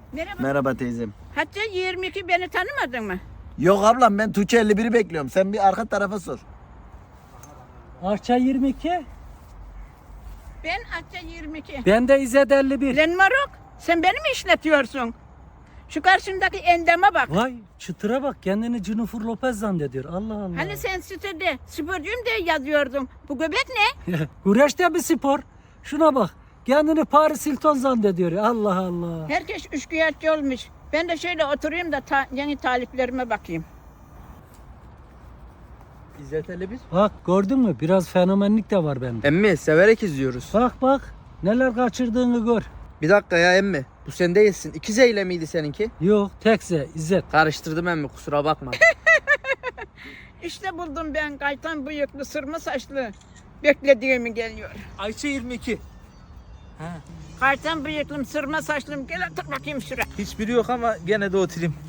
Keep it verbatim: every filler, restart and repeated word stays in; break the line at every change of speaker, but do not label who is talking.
Merhaba.
Merhaba teyzem.
Hatta yirmi iki beni tanımadın mı?
Yok ablam ben Tuğçe elli biri bekliyorum. Sen bir arka tarafa sor.
Arça yirmi iki.
Ben Hatta yirmi iki.
Ben de İzzet elli bir.
Lan Maruk, sen beni mi işletiyorsun? Şu karşındaki endeme bak.
Vay çıtıra bak, kendini Jennifer Lopez zannediyor. Allah Allah.
Hani sen sitede sporcuyum diye yazıyordun. Bu göbek ne?
Güreş de bir spor. Şuna bak. Kendini Paris Hilton zannediyor. Allah Allah.
Herkes üçkağıtçı olmuş. Ben de şöyle oturayım da ta- yeni taliplerime bakayım.
İzzet elli bir.
Bak gördün mü? Biraz fenomenlik de var bende.
Emmi severek izliyoruz.
Bak bak. Neler kaçırdığını gör.
Bir dakika ya emmi. Bu sen değilsin. İki Z ile miydi seninki?
Yok tekse İzzet.
Karıştırdım emmi, kusura bakma.
İşte buldum ben kaytan bıyıklı, sırma saçlı. Beklediğimi geliyor.
Ayça yirmi iki.
Kaytan bıyıklım, sırma saçlım. Gel otur bakayım şuraya.
Hiçbiri yok ama gene de oturayım.